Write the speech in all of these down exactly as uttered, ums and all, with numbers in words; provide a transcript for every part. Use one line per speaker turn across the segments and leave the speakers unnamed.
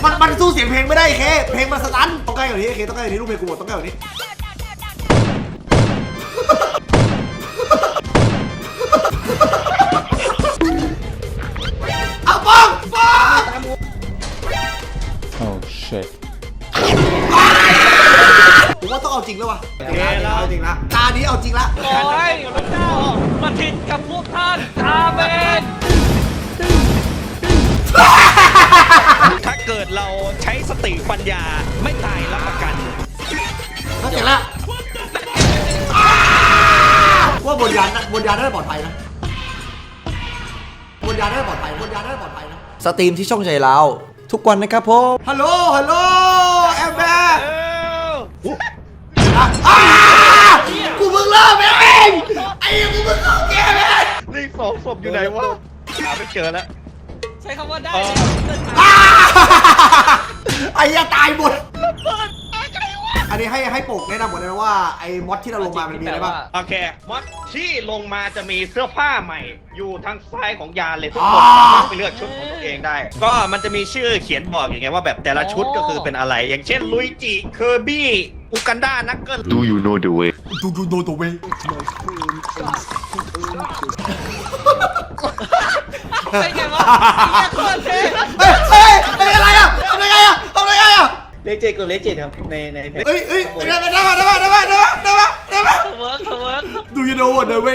มันมันสู้เสียงเพลงไม่ได้เคเพลงมันสตันต้องใกล้กว่านี้เคต้องใกล้กว่านี้ลูกเพลงกูหมดต้องใกล้กว่านี้เอาป้องป้องโอ้ shit ผมว่าต้องเอาจริงแล้ววะเอาจริงละตานี้เอาจริงละ
โอ้ยพระเจ้ามาทิดกับพวกท่านอาเมนถ้าเกิดเราใช้สติปัญญาไม่ตายรับประกัน
ถ้าเสร็จละว่าบนยานบนยานน่าจะปลอดภัยนะบนยานน่าจะปลอดภัยบนยานน่าจะปลอดภัยนะ
สตรีมที่ช่องใจเราทุกวันนะครับผม
ฮัลโหลฮัลโหลแอมแบร์กูเพิ่งเริ่มเองไอ้กูเพิ่งเข้าเกมเอง
นี่สองศพอยู่ไหนวะหาไม่เจอแล้วใช้คำว่าได้
ไอ้ยังตายหมดอันนี้ให้ให้ปกแนะนำหมดเลยนะว่าไอ้มอดที่เราลงมามันมีอะไรบ้าง
โอเคมอดที่ลงมาจะมีเสื้อผ้าใหม่อยู่ทางซ้ายของยานเลยทุกคนสามารถไปเลือกชุดของตัวเองได้ก็มันจะมีชื่อเขียนบอกอย่างเงี้ยว่าแบบแต่ละชุดก็คือเป็นอะไรอย่างเช่นลุยจิเคอร์บี้อุกันดานักเกิล
Do you know the way
Do you know the way
เป็นไงวะโคตรเท่
เฮ้ยเฮ้ยอะไรอ่ะทำไงอ่ะทำไงอ่ะ
เลเจตกับเลเจตครับในในเพจ
เฮ้ยเฮ้ยได้ไหมได้ไหมได้ไหมได้ไหมได้ไหมได้ไหมได้ไหม
เวิร์กเวิร์ก
Do you know what the way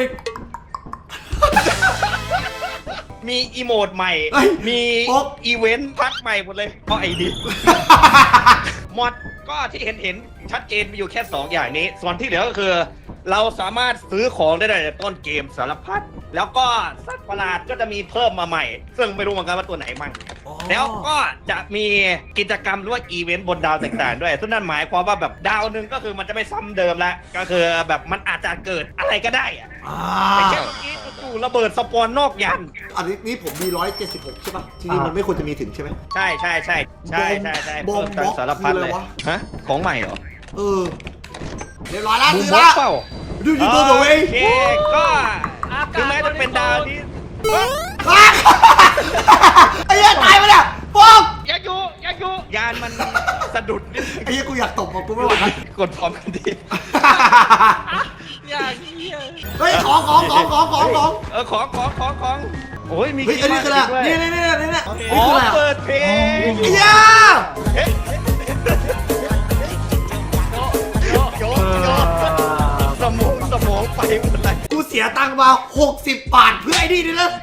มีอีโมดใหม่มีอีเวนต์พักใหม่หมดเลยเพราะไอ้ดิมอดก็ที่เห็นเห็นชัดเจนมีอยู่แค่สองอย่างนี้ส่วนที่เหลือก็คือเราสามารถซื้อของได้ในต้นเกมสารพัดแล้วก็สัตว์ประหลาดก็จะมีเพิ่มมาใหม่ซึ่งไม่รู้เหมือนกันว่าตัวไหนมั่งแล้วก็จะมีกิจกรรมหรือว่าอีเวนต์บนดาวต่างๆด้วยซึ่งนั่นหมายความว่าแบบดาวนึงก็คือมันจะไม่ซ้ำเดิมแล้วก็คือแบบมันอาจจะเกิดอะไรก็ได้อะแต่แค่เมื่อกี้จู่ๆระเบิดสปอนนอกยาน
อันนี้นี่ผมมีร้อยเจ็ดสิบหกใช่ป่ะทีนี้มันไม่ควรจะมีถึงใช่ไหม
ใช่ใช่ใช่ใช่ใช่ใช่เพิ่มทั้งสารพัดเลยฮะของใหม่เหรอ
เออเรียบร้อยแล้วซื้อแล้วดูยูทูบตัวเอง
โอเคก็คือแม้จะเป็นดาวที่
ไอ้ยัยตายไปเนี่ยฟอง
อย่าอยู่อย่าอยู่ยานมันสะดุดนิด
ไอ้ยัยกูอยากตบกูไม่ไหวแล้ว
กดพร้อมกันดีอย่างนี้
เฮ้ยของของของของของของ
เออของของของของโอ้ยมี
เฮ้ยอันนี้คืออะไรนี่นี่นี่นี่นี่
อ๋อเปิดเพลง
เย้
สมองสมองไปหมดเลย
กูเสียตังค์มาหกสิบบาทเพื่อไอ้นี่นี่นะ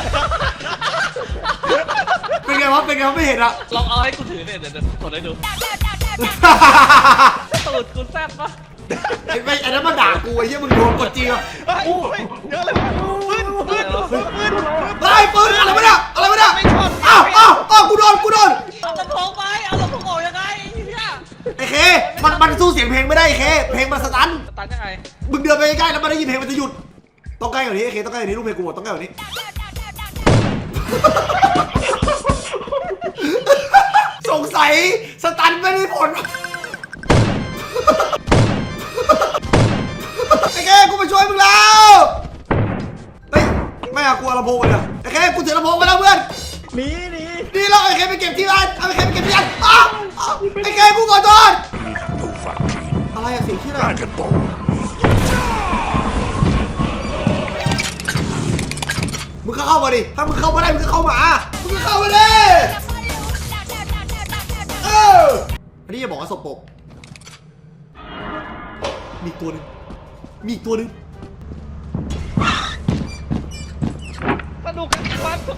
เป็นไงวะเป็นไงวะไม่เห็นอะ
ลองเอาให้กูถือเนี่ยเดี๋ยวกดให้ดูตูดกูแซ่บปะ
ไอ้ไอ้นั้นมาด่ากูไอ้เหี้ยมึงโดนกดจีอ่ะ
โอ้ยเยอะเลยปืนปืนปืนปืน
ไอ้ปืนอะไรวะเนี่ยอะไรวะเนี่ยอ้าวอ้าวอ้าวกูโดนกูโดน
เอาลำโพงไปเอาลำโพงออกยังไงเนี่ย
ไอ้เคมันมันสู้เสียงเพลงไม่ได้เคเพลงมันสตัน
สตันยังไง
มึงเดินไปใกล้แล้วมันได้ยินเพลงมันจะหยุดต้องใกล้กว่านี้เคต้องใกล้กว่านี้ลูกเพลงกูหมดต้องใกล้กว่านี้สงสัยสตันไม่ได้ผลไอ้แค่กูมาช่วยมึงแล้วเฮ้ยไม่เอากูเอาลำโพงไปเลยไอ้แค่กูถือลำโพงไปแล้วเพื่อน
หนีหนี
นี่เราไอ้แค่ไปเก็บที่บ้านเอาไอ้แค่ไปเก็บที่บ้านอ้าวไอ้แค่กูขอโทษอะไรอะสิ่งที่อะไรมึงก็เข้ามาดิถ้ามึงเข้ามาได้มึงก็เข้ามามึงก็เข้ามาดิเอออันนี้อย่าบอกว่าสปกมีตัวนึงมีตัวนึง
สนุกกันวันทุก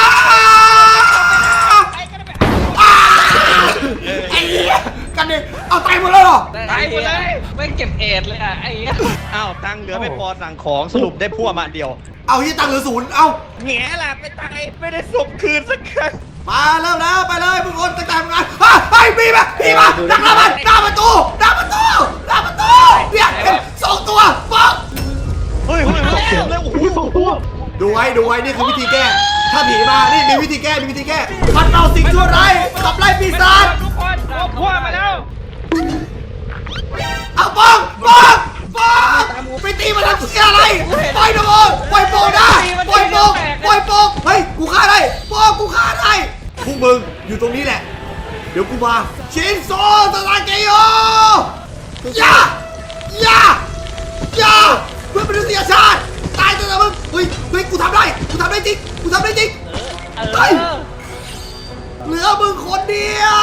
ไอ้เหี้ยกันดิเอาตายหมดแล้วเหรอ
ตายหมดเลยไม่เก็บเอ็ดเลยอ่ะไอ้อ้าวตังเหลือไม่พอสั่งของสรุปได้พวกมาเดียว
เอาที่ตังเหลือศูนย์เอา
แง่ล่ะไปตายไม่ได้ส่งคืนสักครั้ง
มาเริ่มแล้วไปเลยมึงคนตั้งแต่ทำงานไปพี่มาพี่มาดักแล้วมันหน้าประตูหน้าประตูหน้าประตูเนี่ยเห็นสองตัวปั๊บ
เฮ้ยเฮ้ยสองตัวเลยโอ้โหสองตัว
ดูไว้ดูไว้นี่คือวิธีแก้ถ้าผีมานี่มีวิธีแก้มีวิธีแก้พัดเราสิ่งชั่วร้ายขับไล่ปีศาจ
ทุกคนพวกมาแล้ว
เอาป้องป้องป้องไปตีมันทำเสียอะไรปล่อยนะโมปล่อยโป่งได้ปล่อยโป่งปล่อยโป่งเฮ้ยกูฆ่าได้ป้องกูฆ่าได้พวกมึงอยู่ตรงนี้แหละดี๋ยวกูมาชินโซตะลาเกโยอย่าอย่าอย่าเพื่อนมนุษยชาติตายตัวมึงเฮ้ยเฮ้ยกูทำได้กูทำได้จริงกูทำได้จริง
เออ
เฮ้ยเหลือมึงคนเดียว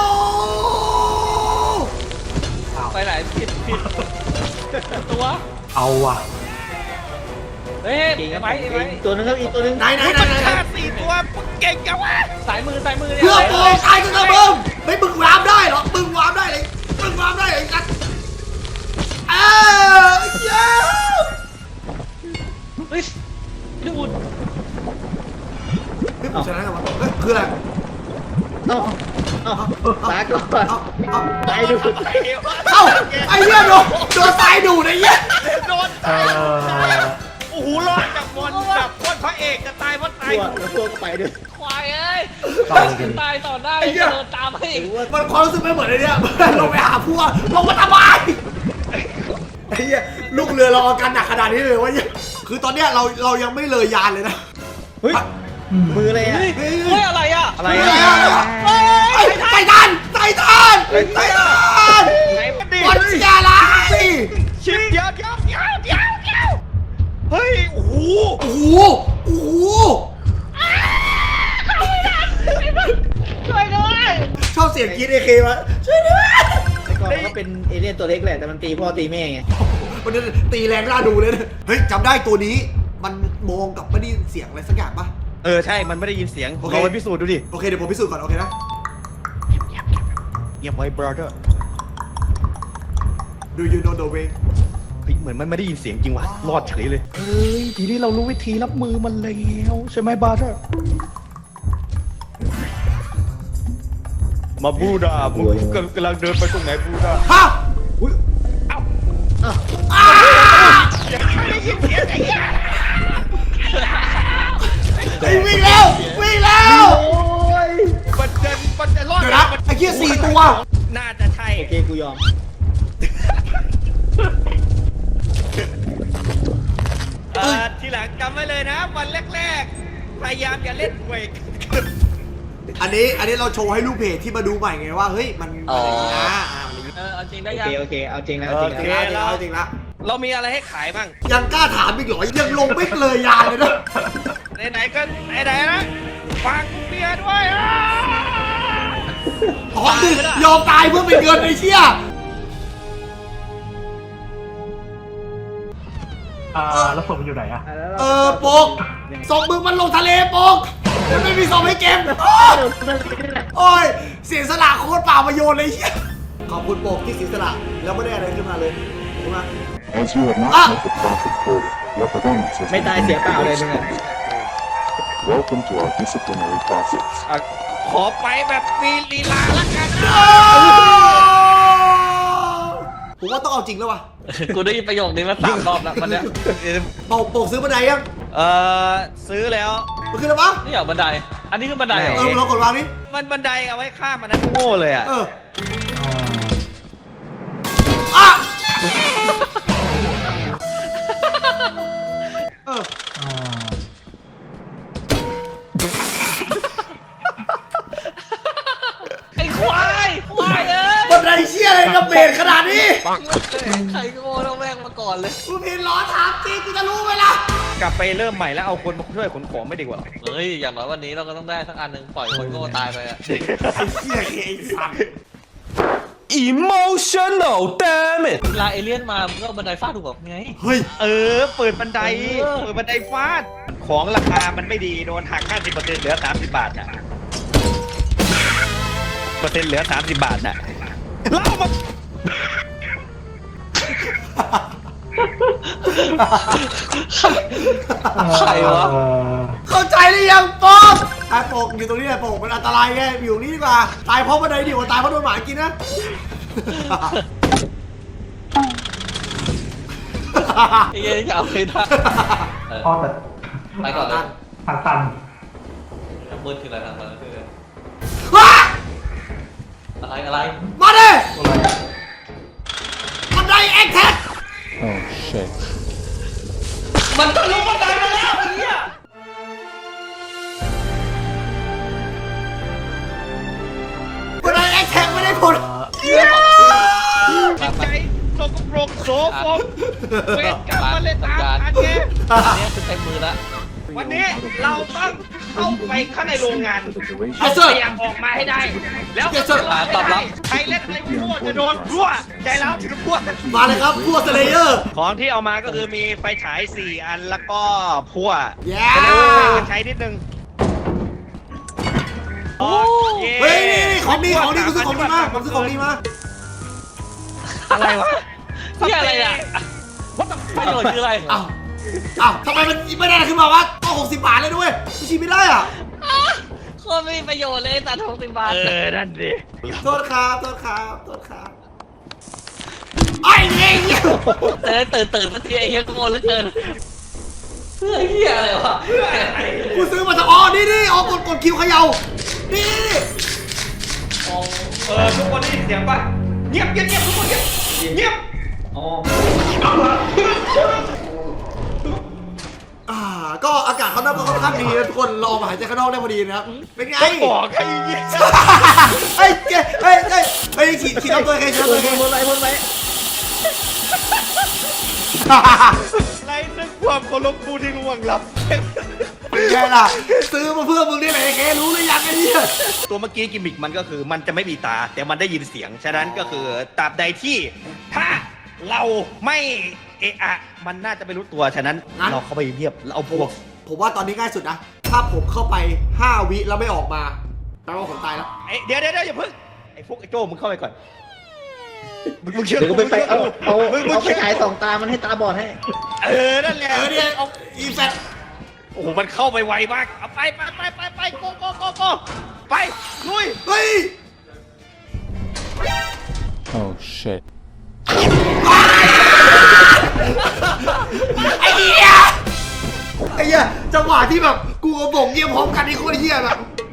ไปไหนผิดผิดตัว
เอาว่ะ
เฮ้ย
เก่งครับ
ไว้ไว้
อีกตัวนึงครับอีกตัวนึง
ไหนไหนไหน
มัน
ไหน
ฆ่าสี่ตัวเก่งจังวะ
สายมือสายมือเนี่ย
เพื่อโปรตายตัวมึงไม่มึงวาร์ปได้หรอมึงวาร์ปได้เลยมึงวาร์ปได้เลยกันเออเย้
เฮ้ยดูด
นี่ผมชนะกันวะเฮ้ยคืออะไร
เอ้าเอ้าตายก่อน
เอาเอา
ตายดู
เอ้าไอ้เหี้ยโดนโดนตายดูไอ้เหี้ย
โดนตายโอ้โหรอดจากบอลจากบอลพระเอกจะตายเพราะตาย
ตัวแล้วตัวก็ไปด้วย
ควายเอ้ยตายต่อหน้า
ไอ้เหี้ย
เดินตามให้อีก
มันความรู้สึกไม่เหมือนไอ้เนี่ยลงไปหาพวกลงมาทำไมไอ้เหี้ยลูกเรือเราอาการหนักขนาดนี้เลยวะเนี่ยคือตอนเนี้ยเราเรายังไม่เลยยานเลยนะ
เฮ้ยมืออะไรอ่ะ
เฮ้ย
เฮ้ยอะไรอ่ะ
อะไร
เฮ้ย
อะ
เฮ้ยไททันไททันไททัน
ไหนมันดิ
บอลเชียร์อะไร
ชิปเดี๋ยวเดี๋ยวเดี๋ยวเดี๋ยวเดี๋ยวเฮ้ยโอ้โห
โอ้โหโอ้โห
ช่วยด้วย
ชอบเสียงกรีดเอเคมาช่วยด้วย
แต่ก่อนมันก็เป็นเอเลี่ยนตัวเล็กแหละแต่มันตีพ่อตีแม่ไง
มันจะตีแรงน่าดูเลยนะเฮ้ยจำได้ตัวนี้มันมองกับไม่ได้ยินเสียงอะไรสักอย่างปะ
เออใช่มันไม่ได้ยินเสียง
โอเค
เราไปพิสูจน์ดูดิ
โอเคเดี๋ยวผมพิสูจน์ก่อนโอเคนะ
เงียบไว้ brother
Do you know the way
เฮ้ยเหมือนมันไม่ได้ยินเสียงจริงว่ะรอดเฉยเลยเฮ้ยทีนี้เรารู้วิธีรับมือมันแล้วใช่ไหม brother มาบูดามึงกำลังเดินไปตรงไหนบูดา
ฮะ
อุ้ย
เอ้า
อ้าว
อ้า
ยังไม่ได้ยินเสียงไอ้เหี้ย
ไอ้วิ่งแล้ววิ่งแล้ว
โอ้ย
มันเดินมันจะรอด
เดี๋ยวนะไอ้เหี้ยสี่ตัว
น่าจะใช่
โอเคกูยอม
เออทีหลังจำไว้เลยนะวันแรกๆพยายามอย่าเล่นเวก
อันนี้อันนี้เราโชว์ให้ลูกเพจที่มาดูใหม่ไงว่าเฮ้ยมันมันอย่างนี้นะอ่ามันอย่างนี้
เออเอาจริงได้
โอ
ยั
เค
ง
โอเคเอาจริงแล้วเอาจริง
จริง
แล้ว
แล้วจริงแล้วจริงแล้ว
เรามีอะไรให้ขายบ้าง
ยังกล้าถามอีกเหรอยังลงไม่เลยยานเลยนะ
ไหนๆก็ไหนๆนะฟังเมียด้วยอ่ะ
อ๋อยอมตายเพื่อเป็นเงินไอ้เชี่ย
อ่าแล้วศพมันอยู่ไหนอะ
อ่ะแล้วรา
เออโปกส่งมึงมันลงทะเลโปกมันไม่มีส่งให้เกมโอ้ยโอ้ยเสียสละโคตรเปล่าประโยชน์เลยไอ้เชี่ยขอบคุณโปกที่เสียสละแล้วไม่ได้อะไรขึ้นมาเลยขอบคุณมาก
As you have not
Ah!
met the profit quota, your performance has
ไม่ตายเสียเปล่าเลยมึงอ่ะ
Welcome to our disciplinary process.
อ่ะขอไปแบบมีลีลาละกันนะ
ผมว่าต้องเอาจริงแล้วว่ะ
กูได้ยินประโยคนี้มาสามรอบแล้ววันเนี้ย
โปกโปกซื้อบันไดยัง
เออซื้อแล้ว
มันคืออะไรวะ
นี่เหรอบันได อันนี้คือบันไดเหรอ
เออเรากดวางนี่
มันบันไดเอาไว้ข้ามมันนะโง่เลยอ่ะ
เอออ่ะเออ
ไอ้ควายควายเอ้ย
บันไดเชี่ยอะไรกับเบรขนาดนี้
ใครก็โง่ต้องแม่งมาก่อนเลย
กูผิดล้อถามจริงกูจะรู้ไหมล่ะ
กลับไปเริ่มใหม่แล้วเอาคนมาช่วยขนของไม่ดีกว่า
เฮ้ย อย่างน้อยวันนี้เราก็ต้องได้สักอันหนึ่งปล่อยคนโง่ตายไปอะ
ไอ้เชี่ยไอ้สัตว์
emotional damn it
เวลาเอเลี่ยนมามึงก็เอาบันไดฟาดถูกบอกไง
เฮ้ย
เออ เปิดบันได
เออ
เปิดบันไดฟาด ของราคามันไม่ดีโดนหัก ห้าสิบเปอร์เซ็นต์ เหลือ สามสิบบาทอ่ะเปอร์เซ็นต์เหลือ สามสิบบาทอ่ะเล่ามา
ใครวะ
เอ่อ
เข้าใจหรือยังโปกไอ้โปกอยู่ตรงนี้แหละโปกมันอันตรายไงอยู่นี่ดีกว่าตายเพราะบันไดดีกว่าตายเพราะโดนหมากินนะ
ไอ้เงี้ยจะเอาไม่ได้เออ
พ่อแต่
ไปก่อนเลย
ทางตัน
ทางมืดคืออะไรทางมืดคืออะไร
ว้า
อะไรอะไร
มาดิบันไดเอ็กแท็ก
Oh shit.
มันทะลุบันไดมาแล้วไอ้เหี้ย
บันได
โสมเวทกรรมมาเลยตามอันเนี้ย
อันนี้คือเต็มมือแล้ว
วันนี้เราต้องเข้าไปข้างในโรงงาน
ไอ้
เอา
เสื้อ
พยายามออกมาให้ได้ แล้วก็จะรอให้ได้ใครเล่นอะไรมั่วจะโดนรั่วใจแล้วถึงรั่ว
มาเลยครับพวกสเลเยอร์
ของที่เอามาก็คือมีไฟฉายสี่อันแล้วก็พั่ว
แย่
จะได้ให้มันใช้นิดนึงโอ้เย้
เฮ้ยนี่นี่ของดีของดีกูซื้อของดีมาผมซื้อของดีมา
อะไรวะ
นี่อะไรอ่ะประโยชน์คืออะไร
อ้าวอ้าวทำไมมันไม่ได้ขึ้นมาวะต้องหกสิบบาทเลยด้วยไม่ชิมไม่ได้อ่ะ
โคตรไม่มีประโยชน์เลยตัดหกสิบบาท
เออนั่นดิ
โทษครับโทษครับโทษครับไอ้เงี้ย
เตื่นตื่นตื่นสักทีไอ้เหี้ยโง่เหลือเกินเพื่อเหี้ยอะไรวะ
กูซื้อมาจากอ๋อนี่นี่อ๋อกดกดคิวเขย่านี่นี่นี่
เออทุกคนได้ยินเสียงป่ะเงียบเงียบเงียบทุกคนเงียบเงียบ
อ่าก็อากาศเขาน่าค่อนข้างดีนะทุกคนลองมาหายใจข้างนอกได้พอดีนะครับเป็นไง
ต้องบอกใครเงี้ย
เฮ้ยเฮ้ยเฮ้ยเฮ้ยเฮ้ยฉีดฉีดเอาตัวเองฉีดเอาตัวเอง
พ่นไว้พ่นไว้
ไรนึกความเคารพผู้ที่ร่วงลับ
เป็นไงล่ะซื้อมาเพื่อมึงนี่แหละไอ้เครู้หรือยังไอ้เนี่ย
ตัวเมื่อกี้กิมมิกมันก็คือมันจะไม่มีตา แต่มันได้ยินเสียง ฉะนั้นก็คือตราบใดที่ถ้าเราไม่เอะอะมันน่าจะไม่รู้ตัว ฉะนั้นเราเข้าไปเรียบแล้วเอาพวก
ผมว่าตอนนี้ง่ายสุดนะถ้าผมเข้าไปห้าวิแล้วไม่ออกมาแปลว่าผมตายแล้ว
เอ้ยเดี๋ยวเดี๋ยวเดี๋ยวอย่าเพิ่งไอ้พวกไอ้โจ้มึงเข้าไปก่อนมึงมึงเชื่อ
เดี๋ยวก็ไปไปเอาเอา
มึงมึง
เอาไป
เชื่อ
ฉายสองตามันให้ตาบอดให้
เออนั่นแหละ
เออเนี่ยเอาอีแฟต
โอ้โหมันเข้าไปไวมากเอาไปไปไปไปไปโกโกโกโกไปลุย
เฮ้ย
Oh shit.
ไอ้เหี้ยไอ้เหี้ยจังหวะที่แบบกูกับบ่งเงียบพร้อมกันนี่โคตรเหี้ยแบบ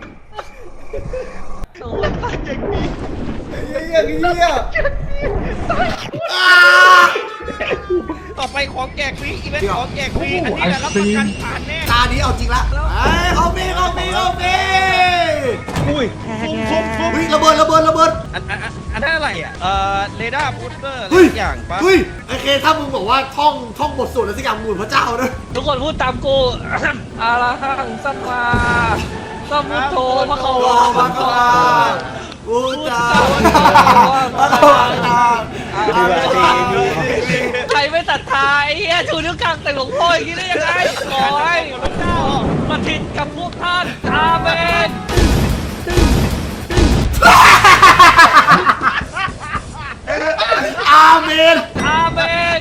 ไอ้เหี้ยไอ้เหี้ยอ่า
ต่อไปของแจกฟรีอีเวนต์ของแจกฟรีอันนี้แหละรับประกันผ่านแน่
ตานี้เอาจริงละเอ้ยเอาเมเอาเมเอาเม
อุ้ยฟุ้งฟุ้งฟุ้ง
เฮ้ยระเบิดระเบิดระเบิด
อันอันอันอันนั้นอะไรอ่ะเอ่อเรดาร์บูสเตอร์อะไร
เฮ้ย
สักอย่างปะ
เฮ้ยไอเคถ้ามึงบอกว่าท่องท่องบทสวดอะไรสักอย่างมึงเหมือนพระเจ้านะ
ทุกคนพูดตามกูอาราหังสัมมาสัมพุทโธพระเขา
โอ้
วา
พระกวาบูชาพระกวาอา
ใครไม่ศรัทธาไอ้เหี้ยชูนิ้วกลางใส่หลวงพ่ออย่างนี้ได้ยังไงขอให้พระเจ้ามาทินกับพวกท่านอาเมน
อาเมน
อาเมน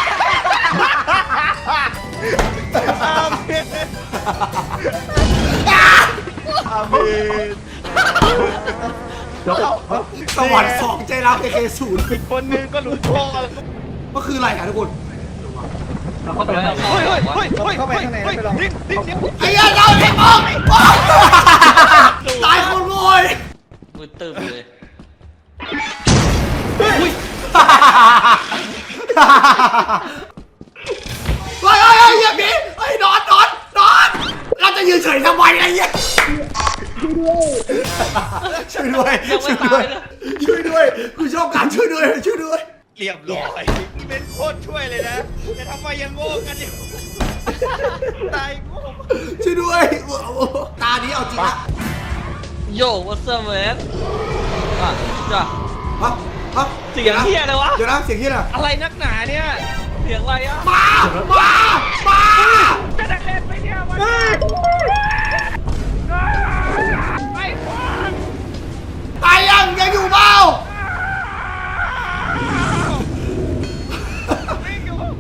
สวรรค์สองใจรักไอเคศูนย์
คนหนึงก็หลุดโทษ
ก็คืออะไรกันทุกคน
เราเข้าไปแล้ว
เฮ้ยเฮ้ยเฮ้ยเฮ้ยเฮ้ยเฮ้ยนิ่งนิ่งนิ่ง
ไอ้ยันเราเด็กออกตายคนโวย
มือตึบเลย
เฮ้ยเฮ้ยเฮ้ยอย่าบีเฮ้ยนอนนอนนอนเราจะยืนเฉยทำไมไอ้เหี้ยช่วยด้วยช่วยด้วยช่วยด้วยกูชอบการช่วยด้วยช่วยด้วย
เรียบร้อยเป็นโคตรช่วยเลยนะแต่ทำไมยังโง่กันอยู่ตายโง่
ช่วยด้วยตานี้เอาจริงละ
โย่ what's up man อ่ะจ้ะ
ฮะฮะ
เสียงเฮียเลยวะ
เดี๋ยวนะเสียงเฮียอะไร
อะไรนักหนาเนี่ย
เสียงอะไรอ่ะ
มามามา
จะได้เล่นไปเนี่ยวันไปก่อน
ตายยังยังอยู่เปล่า
วิ่งอยู่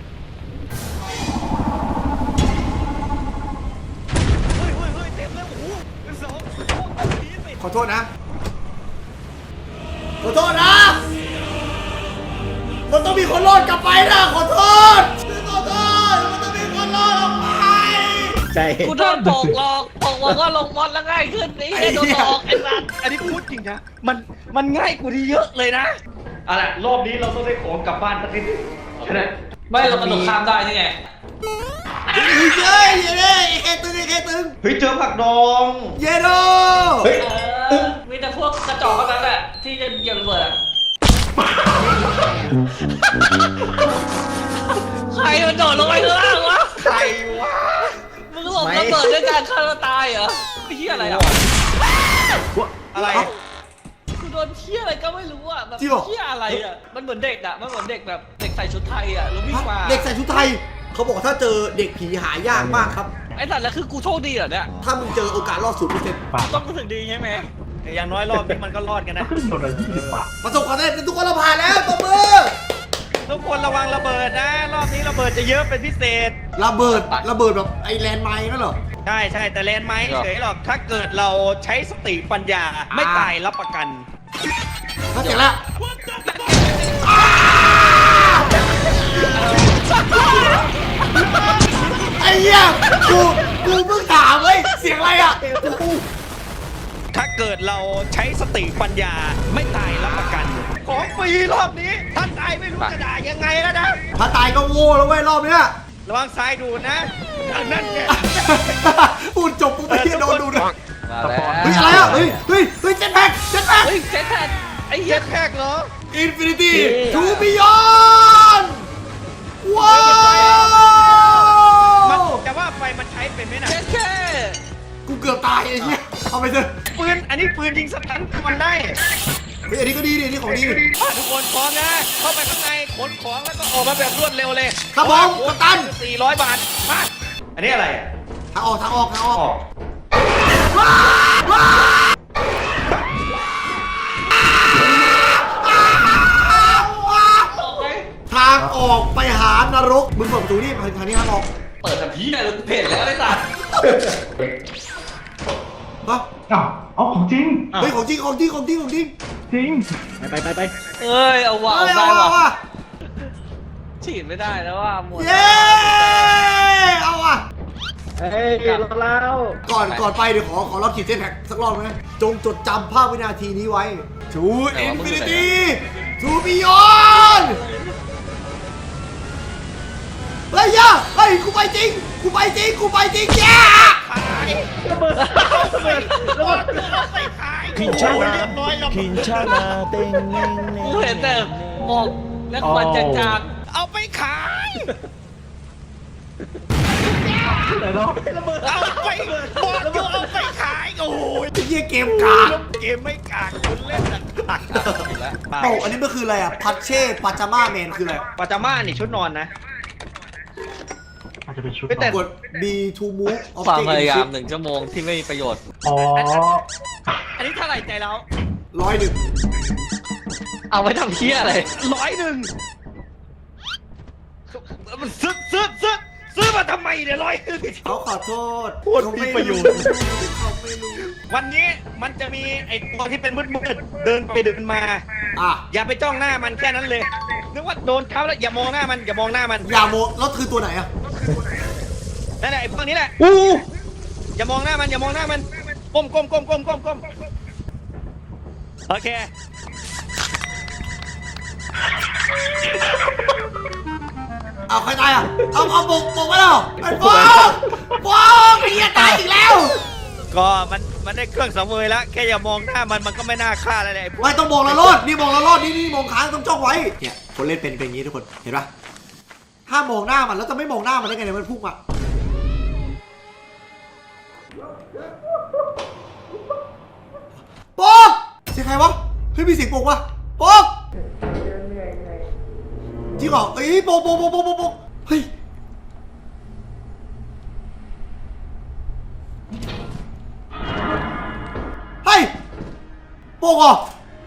เฮ้ยเฮ้ยเฮ้ยเต็มแล้วโอ้โหเป็นสองโอ้โหผีสิ
ขอโทษนะขอโทษนะมันต้องมีคนรอดกลับไปนะขอโทษขอโทษมันต้องมีคนรอดออกไป
ใช่
กูโดนตกหลอกตกหลอกก็ลงมอดแล้วง่ายขึ้นนี่ไอ้โดนหลอกไอ้สัส
อันนี้พูดจริงนะ มัน มันง่ายกว่านี้เยอะเลยนะเอาล่ะรอบนี้เราต้องได้ของกลับบ้านสักนิดใช่ไหม
ไม่เรากระโดดข้ามได้นี่ไง
เฮ้ยเย้เย้เย้ไอ้แค่ตึงไอ้แค่ตึง
เฮ้ยเจอผักดอง
เย้โด
เฮ้ย
เออมีแต่พวกกระจอกเท่านั้นแหละที่จะเหยียบระเบิดอะใครมันโดดลงไปข้างล่างวะ
ใครวะ
มึงหลบระเบิดด้วยการฆ่าตัวตายเหรอไอ้เหี้ยอะไรอ่ะ
อะไร
กูโดนเหี้ยอะไรก็ไม่รู้อ่ะแบบ
จริงเหรอ
เหี้ยอะไรอ่ะมันเหมือนเด็กอ่ะมันเหมือนเด็กแบบเด็กใส่ชุดไทยอ่ะแล้ววิ่งมา
เด็กใส่ชุดไทย เขาบอกถ้าเจอเด็กผีหายากมากครับ
ไอ้สัตว์แล้วคือกูโชคดีเหรอเนี่ย
ถ้ามึงเจอโอกาสรอดศูนย์เปอร์เซ็นต์
ต้องรู้สึกดีใช่ไหม
อย่างน้อยรอบนี้มันก็รอดกันนะ
ขึ้นโดนเลยยี่สิบบาท
ประสบความสำเร็จทุกคนเราผ่านแล้วตบมือ
ทุกคนระวังระเบิดนะ รอบนี้ระเบิดจะเยอะเป็นพิเศษ
ระเบิดระเบิดแบบไอแลนด์ไมน์นั่นเหรอ
ใช่ใช่แต่แลนด์ไม้เฉยหรอก ถ้าเกิดเราใช้สติปัญญาไม่ตายรับประกัน
ถ้าเสร็จแล้วไอ้เหี้ยกูกูเพิ่งถามเว้ยเสียงอะไรอ่ะ
ถ้าเกิดเราใช้สติปัญญาไม่ตายรับประกัน ของฟรีรอบนี้ ถ้าตายไม่รู้จะด่ายังไงแล้วนะ
ถ้าตายก็โง่แล้วเว้ยรอบเนี้ย
ระวังซ้ายดูดนะอันนั้นเนี่ย
พูดจบปุ๊บไปเหี้ยโดนดูนะ
มาแล้ว
เฮ้ยอะไรอ่ะเฮ้ยเฮ้ยเฮ้ยเจ็ตแพ็กเจ็ตแพ็ก
เฮ้ยเจ็ตแพดไอ้เหี้
เย็
ย
ดแพกเหรอ
อินฟินิตี้ทูบิยอนว้า
มัน
ว
แต่ว่าไฟมันใช้เป็นไหมนะ
เจ็ตแค่
กูเกือบตายไอ้เหี้ยเอาไปเถอะ
ปืน อันนี้ปืนยิงสตันมันได้
เฮ้ยอันนี้ก็ดีดิอันนี้ของดีดิ
ทุกคนพร้อมนะ เข้าไปข้างในขนของแล้วก็ออกมาแบบรวดเร็วเลย
ครับผมกัปตัน
สี่ร้อยบาท มา อันนี้อะไร
ทางออกทางออกทางออก
ออก
ทางออกไปหานรกมึงเปิดประตูนี่ทางนี้ทางออก
เปิดทันทีเลยกูเห็นแล้วไอ้สัตว์
ฮะ
อ้าวเอาของจริง
เฮ้ยของจริงของจริงของจริงของจริง
จริง
ไปไปไป
เอ้ยเอาว่ะ
เฮ้
เอา
ย
ได้
เอา
ว่ะ
ว่ะ
ฉีดไม่ได้แล้วว่ะหมด
เย้เอาว่ะ
เฮ้ยรอแล้ว
ก่อนก่อนไปเดี๋ยวขอขอรอบขีดเส้นแพ็กสักรอบไหมจงจดจำภาพวินาทีนี้ไว้ To Infinity To Beyond เฮ้ยย่าเฮ้ยกูไปจริงกูไปจริงกูไปจริงแย่
พินชานาพินชานา
กูเห็นแต่หมอกและควันจาง
เอาไปขาย
ไหนเนาะ
เอาไปบอกอยู่เอาไปขาย โอ้ย
ไอ้เหี้ยเกมกาก
เกมไม่กากคุณเล่นแต่กาก
โอ้อันนี้มันคืออะไรอ่ะพัชเช่ปาจาม่าแมนคืออะไร
ปาจาม่านี่ชุดนอนนะ
อาจจะเป็นชุด
แต่
กด B to move
ๆความ
object
พ
in
ยายาม
shift
หนึ่งชั่วโมงที่ไม่มีประโยชน์
อ๋อ
อันนี้เท่าไหร่ใจเรา
ร้อยหนึ่ง
เอาไว้ทำเพี้ยอะไร
ร้อยหนึ่งมันซื้อซื้อซื้อซื้อมาทำไมเนี่ยร้อยหนึ่ง
เขาขอโทษ
โคตรมีประโยชน์
เขาไม่รู้
วันนี้มันจะมีไอ้ตัวที่เป็นมืดๆเดินไปเดินมา
อ่ะ
อย่าไปจ้องหน้ามันแค่นั้นเลยนึกว่าโดนเขาแล้วอย่ามองหน้ามันอย่ามองหน้ามัน
อย่าโมแล้วคือตัวไหนอ่ะ
นั่นแหละไอ้พวกนี้แหละอย่ามองหน้ามันอย่ามองหน้ามันก้มก้มก้มก้มก้มก้มโอเค
เอาใครตายอ่ะ เอาเอาปกปกไว้แล้วไอ้ปกปกไอ้เหี้ยตายอีกแล้ว
ก็มันมันได้เครื่องสังเวยแล้วแค่อย่ามองหน้ามันมันก็ไม่น่าฆ่าอะไรเลยไอ้พวก
ไม่ต้องมองละรอดนี่มองละรอดนี่นี่มองค้างต้องจ้องไว้ เนี่ยคนเล่นเป็นเป็นอย่างนี้ทุกคน เห็นปะถ้ามองหน้ามันแล้วจะไม่มองหน้ามันได้ไงเนี่ยมันพุ่งอ่ะปกเสียงใครวะ เฮ้ยมีเสียงปกวะปกจริงเหรอเอ้ยปกปกปกปกปกปกเฮ้ย เฮ้ยโปกเหรอ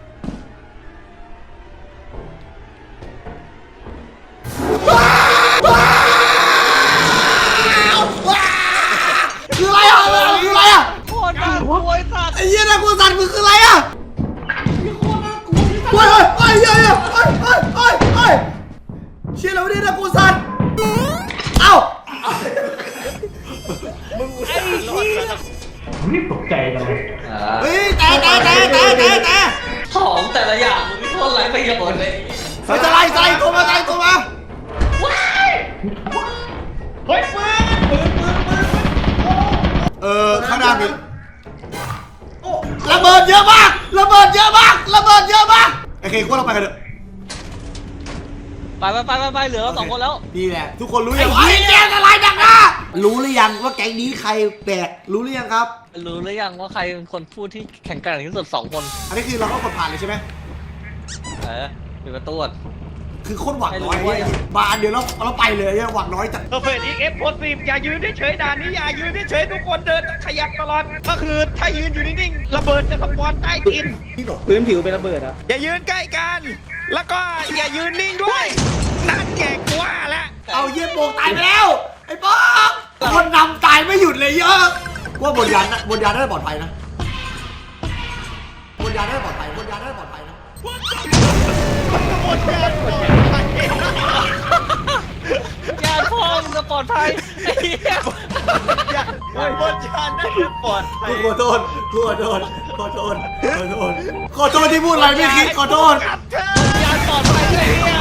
คืออะไรอ่ะคืออะไรอ่ะ
โคตรน่ากลัวไอ้สัตว์
ไอ้เหี้ยน่ากลัวสัตว์มึงคืออะไรอ่ะโอ้ยโอ้ยเฮ้ยเฮ้ยเฮ้ยเฮ้ยเฮ้ยเฮ้ยเชี่ยแล้วไม่ได้น่ากลัวสัตว์เอ้า
มึงอุตส่าห์รอดมาแล้ว
รีบตกใจกันเลย
เฮ้ยแต่แต่แต่แต่แต่แต่
ของแต่ละอย่างมึงไม่โทษไรประโยชน์เลย
เฮ้ยจะไล่จะไล่ตัวมาจะไล่ตัวมา
เฮ้ยปืนปืนปืนปืน
เออข้างหน้ามีระเบิดเยอะมากระเบิดเยอะมากระเบิดเยอะมากโอเคพวกเราไปกันเถอะ
ไปไปไปไปไปเหลือเราสองคนแล้ว
นี่แหละทุกคนรู้ยังว่าไอ้แกงอะไรดังนะรู้หรือยังว่าแก๊งนี้ใครแบกรู้หรือยังครับ
รู้หรือยังว่าใครเป็นคนพูดที่แข็งแกร่งที่สุดสองคน
อันนี้คือเราก็กดผ่านเลยใช่ไหม
เออปิดประตูก่อน
คือโคตรหวังน้อย
ไม่รู้ว่า
เนี่ยบานเดี๋ยวเราเราไปเลยเนี่ยหวังน้อยจัด
เพอร์เฟกต์อีเอฟโพสิฟอย่ายืนเฉยๆด่านนี้อย่ายืนเฉยๆทุกคนเดินขยับตลอดก็คือถ้ายืนอยู่นิ่งๆระเบิดจะสปอนใต้ดิน
พื้นผิวเป็นระเบิดอ่ะ
อย่ายืนใกล้กัน แล้วก็อย่ายืนนิ่งด้วยนั่นแกกว่าแล้ว
เอาเยี่ยโปกตายไปแล้วไอ้ป๊อกคนนำตายไม่หยุดเลยเยอะว่าบนยานนะบนยานน่าจะปลอดภัยนะบนยานน่าจะปลอดภัยบนยานน่าจะปลอดภัยนะ
หมดแล้วหมดแล้ว
ญาติพ่อมึงจะปลอดภัยไอ้เหี้ย
บนชานได้ปลอดภัย
ขอโทษขอโทษขอโทษขอโทษขอโทษที่พูดอะไรไม่คิดขอโทษ
ญาติปลอดภัยไอ้เหี้ย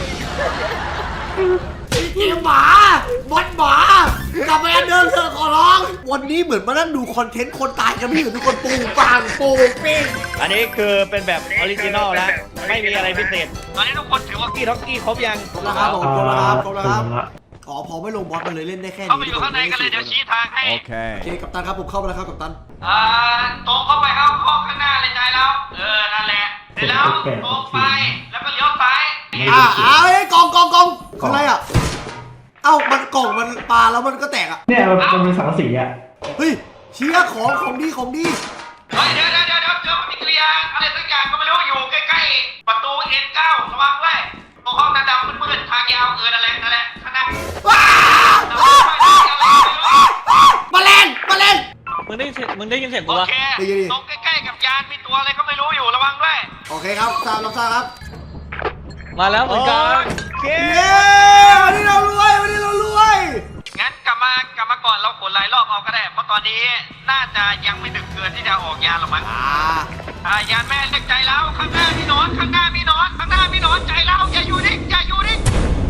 เกมหมาบอลหมากลับไปอันเดิมเถอะขอร้อง วันนี้เหมือนมานั่งดูคอนเทนต์คนตายกันไม่อยู่ทุกคนปูปังปูปิ้ง
อันนี้คือเป็นแบบออริจินอลแล้วไม่มีอะไรพิเศษตอนนี้ทุกคนถือว่ากี้ท็อกกี้ครบยัง
ครบแล้วครับผมครบแล้วครับครบแล้วครับ
ละ
อ๋อพอไม่ลงบอสมันเลยเล่นได้แค่นี้
เข้าไปอยู่ข้างในกันเลยเดี๋ยวชี้ทางให้
โอเคกัปตันครับผมเข้าไปแล้วครับกัปตัน
อ่าตรงเข้าไปครับเข้าข้างหน้าเลยใจแล้วเออนั่นแหละเสร็จแล้วตรงไปแล้วก็เลี้ยวซ้าย
อ่าเอาไอ้กองกองกองคืออะไรอ่ะเอ้ามันกล่องมันปลาแล้วมันก็แตกอ่ะ
เนี่ยมันมันเป็นสังกะสีอ่ะ
เฮ้ยเชียของของดีของดี
เฮ้ยเดี๋ยวเดี๋ยวเดี๋ยวเดี๋ยวเจอปฏิกิริยาอะไรสักอย่างก็ไม่รู้อยู่ใกล้ๆประตู เอ็น เก้า ระวังด้วยตรงห้องดำๆมืดๆทางยาวเออนั่นแหละนั่นแหละข้างหน้า
ว้าวมาแรงมาแรง
มึงได้ยินเสียงมึงได้ยินเสียงกู
โอ
ปะ
เคตรงใกล้ๆกับยานมีตัวอะไรก็ไม่รู้อยู่ระวังด้วย
โอเคครับทราบรับทราบครับ
มาแล้วเหมือนกัน
โอเค
เย้วันนี้เรารวยวันนี้เรารวย
งั้นกลับมากลับมาก่อนเราขนหลายรอบเอาก็ได้เพราะตอนนี้น่าจะยังไม่ดึกเกินที่จะออกยานหรอกมั้ง
อ่า
อ่ายานแม่เล็กใจแล้วข้างหน้ามีหนอนข้างหน้ามีหนอนข้างหน้ามีหนอนใจแล้วอย่าอยู่นิ่งอย่าอยู่นิ่ง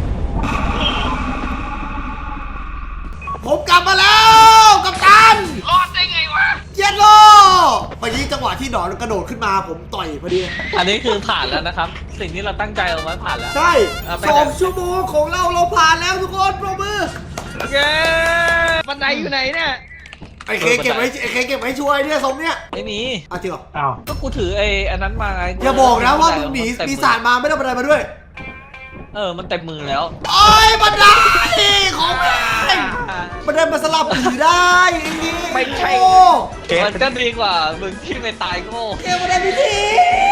ผมกลับมาแล้วกัปตัน
รอดได้ไงวะ
เย็นโลเมื่อกี้จังหวะที่หนอนกระโดดขึ้นมาผมต่อยพอดี
อันนี้คือผ่านแล้วนะครับ สิ่งที่เราตั้งใจเอาไว้ผ่านแล้ว
ใช่
เอาไป
สองชั่วโมงของเราเราผ่านแล้วทุกคนปรบมือ
เย้
บันไดอยู่ไหนเนี่ย
ไอ้เคเก็บไว้ไอ้เคเก็บไว้ช่วยเนี่ยสมเนี่ย
ไม่มี
อ่ะจริงเหรอ
อ้าว
ก็กูถือไอ้อันนั้นมาไง
อย่าบอกนะว่ามึงหนีปีศาจมาไม่ได้บันไดมาด้วย
เออมันเต็มมือแล้ว
โอ้ยบันไดของแม่บันไดมาสลับผีได้อย่างงี้
ไม่ใช่
โอ้
มันก็ดีกว่ามึงที่ไม่ตายโง่
เกมบันไดพิธี